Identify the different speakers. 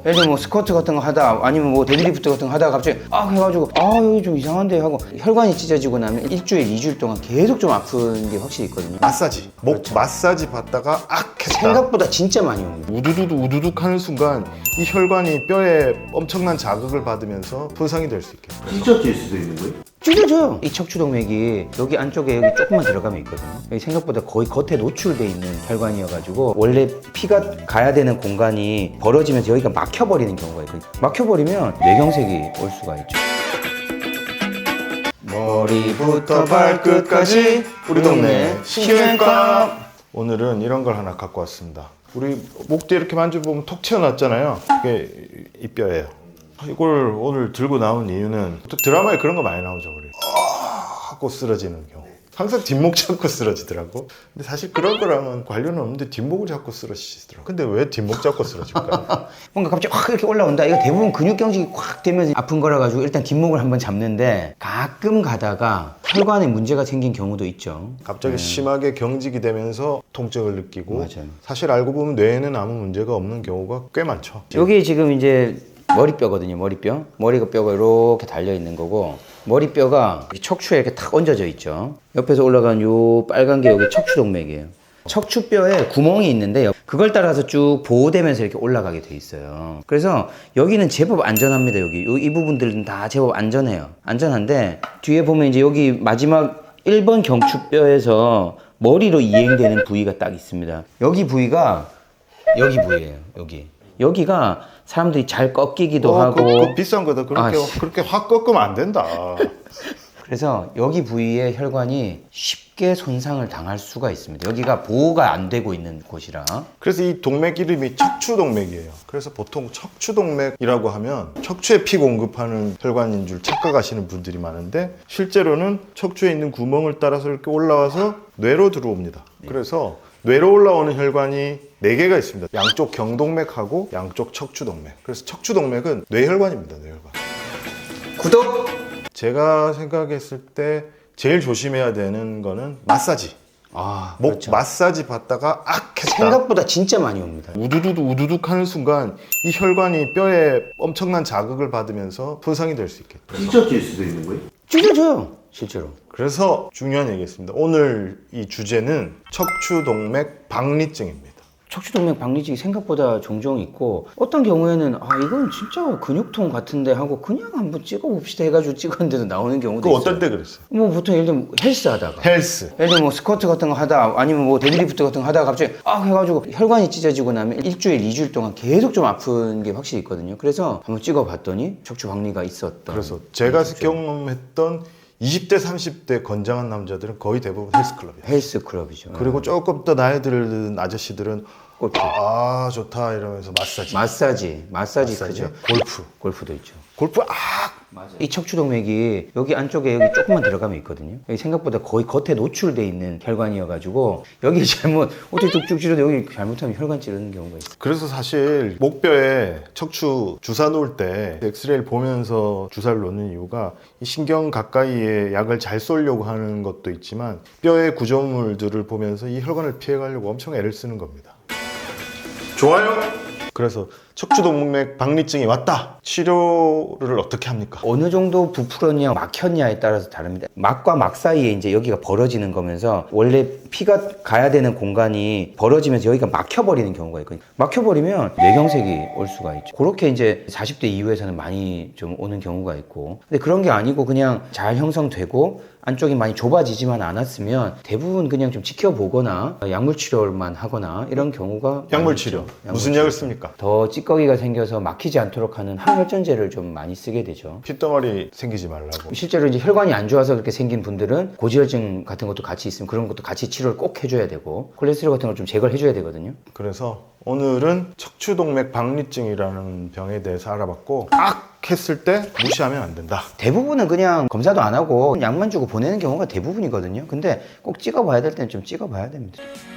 Speaker 1: 예를 들면 뭐 스쿼트 같은 거 하다 아니면 뭐 데드리프트 같은 거 하다가 갑자기 해가지고 여기 좀 이상한데 하고 혈관이 찢어지고 나면 일주일, 2주일 동안 계속 좀 아픈 게 확실히 있거든요.
Speaker 2: 마사지, 목
Speaker 1: 그렇죠.
Speaker 2: 마사지 받다가 했다.
Speaker 1: 생각보다 진짜 많이 옵니다.
Speaker 2: 우두둑 하는 순간 이 혈관이 뼈에 엄청난 자극을 받으면서 손상이 될 수 있겠죠.
Speaker 3: 찢어질 수도 있는 거예요?
Speaker 1: 찢어져요. 이 척추동맥이 여기 안쪽에 여기 조금만 들어가면 있거든요. 여기 생각보다 거의 겉에 노출돼 있는 혈관이어가지고 원래 피가 가야 되는 공간이 벌어지면서 여기가 막혀버리는 경우가 있거든요. 막혀버리면 뇌경색이 올 수가 있죠. 머리부터 발끝까지 우리 동네 신경외과.
Speaker 2: 오늘은 이런 걸 하나 갖고 왔습니다. 우리 목 뒤에 이렇게 만져보면 톡 튀어나왔잖아요. 이게 이 뼈예요. 이걸 오늘 들고 나온 이유는 또 드라마에 그런 거 많이 나오죠. 우리 하고 쓰러지는 경우. 항상 뒷목 잡고 쓰러지더라고. 근데 사실 그런 거랑은 관련은 없는데 뒷목을 잡고 쓰러지시더라고. 근데 왜 뒷목 잡고 쓰러질까요?
Speaker 1: 뭔가 갑자기 확 이렇게 올라온다. 이거 대부분 근육경직이 확 되면서 아픈 거라 가지고 일단 뒷목을 한번 잡는데 가끔 가다가 혈관에 문제가 생긴 경우도 있죠.
Speaker 2: 갑자기 심하게 경직이 되면서 통증을 느끼고
Speaker 1: 맞아요.
Speaker 2: 사실 알고 보면 뇌에는 아무 문제가 없는 경우가 꽤 많죠.
Speaker 1: 여기 지금 이제 머리뼈거든요. 머리가 뼈가 이렇게 달려 있는 거고 머리뼈가 척추에 이렇게 탁 얹어져 있죠. 옆에서 올라간 요 빨간 게 여기 척추동맥이에요. 척추뼈에 구멍이 있는데 그걸 따라서 쭉 보호되면서 이렇게 올라가게 돼 있어요. 그래서 여기는 제법 안전합니다. 이 부분들은 다 제법 안전해요. 안전한데 뒤에 보면 이제 여기 마지막 1번 경추뼈에서 머리로 이행되는 부위가 딱 있습니다. 여기 부위가 여기 부위예요. 여기가 사람들이 잘 꺾이기도 하고
Speaker 2: 그거 비싼 거다. 그렇게 확 꺾으면 안 된다.
Speaker 1: 그래서 여기 부위의 혈관이 쉽게 손상을 당할 수가 있습니다. 여기가 보호가 안 되고 있는 곳이라.
Speaker 2: 그래서 이 동맥 이름이 척추동맥이에요. 그래서 보통 척추동맥이라고 하면 척추에 피 공급하는 혈관인 줄 착각하시는 분들이 많은데 실제로는 척추에 있는 구멍을 따라서 이렇게 올라와서 뇌로 들어옵니다. 그래서 뇌로 올라오는 혈관이 4개가 있습니다. 양쪽 경동맥하고 양쪽 척추동맥. 그래서 척추동맥은 뇌혈관입니다. 뇌혈관.
Speaker 1: 구독!
Speaker 2: 제가 생각했을 때 제일 조심해야 되는 거는 마사지. 목
Speaker 1: 그렇죠.
Speaker 2: 마사지 받다가 했다.
Speaker 1: 생각보다 진짜 많이 옵니다.
Speaker 2: 우두둑 하는 순간 이 혈관이 뼈에 엄청난 자극을 받으면서 손상이 될 수 있겠죠.
Speaker 3: 찢어질 수도 있는 거예요?
Speaker 1: 찢어져요, 실제로.
Speaker 2: 그래서 중요한 얘기겠습니다. 오늘 이 주제는 척추동맥 박리증입니다.
Speaker 1: 척추동맥 박리증이 생각보다 종종 있고 어떤 경우에는 이건 진짜 근육통 같은데 하고 그냥 한번 찍어봅시다 해가지고 찍었는데도 나오는 경우도
Speaker 2: 그
Speaker 1: 있어요.
Speaker 2: 어떨 때 그랬어요?
Speaker 1: 뭐 보통 예를 들면 헬스 하다가
Speaker 2: 헬스.
Speaker 1: 예를 들면 뭐 스쿼트 같은 거 하다 아니면 뭐 데드리프트 같은 거 하다가 갑자기 해가지고 혈관이 찢어지고 나면 일주일, 2주일 동안 계속 좀 아픈 게 확실히 있거든요. 그래서 한번 찍어봤더니 척추 박리가 있었던.
Speaker 2: 그래서 제가 경험했던 20대, 30대 건장한 남자들은 거의 대부분 헬스클럽이에요.
Speaker 1: 헬스클럽이죠.
Speaker 2: 그리고 조금 더 나이 들은 아저씨들은
Speaker 1: 골프.
Speaker 2: 좋다 이러면서
Speaker 1: 마사지 크죠. 골프도 있죠.
Speaker 2: 골프
Speaker 1: 이 척추동맥이 여기 안쪽에 여기 조금만 들어가면 있거든요. 여기 생각보다 거의 겉에 노출돼 있는 혈관이어가지고 여기 어떻게 뚝뚝 찌르는데 여기 잘못하면 혈관 찌르는 경우가 있어요.
Speaker 2: 그래서 사실 목뼈에 척추 주사 놓을 때 엑스레이를 보면서 주사를 놓는 이유가 이 신경 가까이에 약을 잘 쏘려고 하는 것도 있지만 뼈의 구조물들을 보면서 이 혈관을 피해가려고 엄청 애를 쓰는 겁니다. 좋아요. 그래서 척추동맥 박리증이 왔다. 치료를 어떻게 합니까?
Speaker 1: 어느 정도 부풀었냐 막혔냐에 따라서 다릅니다. 막과 막 사이에 이제 여기가 벌어지는 거면서 원래 피가 가야 되는 공간이 벌어지면서 여기가 막혀버리는 경우가 있거든요. 막혀버리면 뇌경색이 올 수가 있죠. 그렇게 이제 40대 이후에서는 많이 좀 오는 경우가 있고 근데 그런 게 아니고 그냥 잘 형성되고 안쪽이 많이 좁아지지만 않았으면 대부분 그냥 좀 지켜보거나 약물 치료만 하거나 이런 경우가
Speaker 2: 약물 치료. 무슨 약을 씁니까?
Speaker 1: 더 찌꺼기가 생겨서 막히지 않도록 하는 항혈전제를 좀 많이 쓰게 되죠.
Speaker 2: 핏덩어리 생기지 말라고.
Speaker 1: 실제로 이제 혈관이 안 좋아서 그렇게 생긴 분들은 고지혈증 같은 것도 같이 있으면 그런 것도 같이 치료를 꼭 해줘야 되고 콜레스테롤 같은 걸 좀 제거를 해줘야 되거든요.
Speaker 2: 그래서 오늘은 척추동맥 박리증이라는 병에 대해서 알아봤고 했을 때 무시하면 안 된다.
Speaker 1: 대부분은 그냥 검사도 안 하고 약만 주고 보내는 경우가 대부분이거든요. 근데 꼭 찍어봐야 될 때는 좀 찍어봐야 됩니다.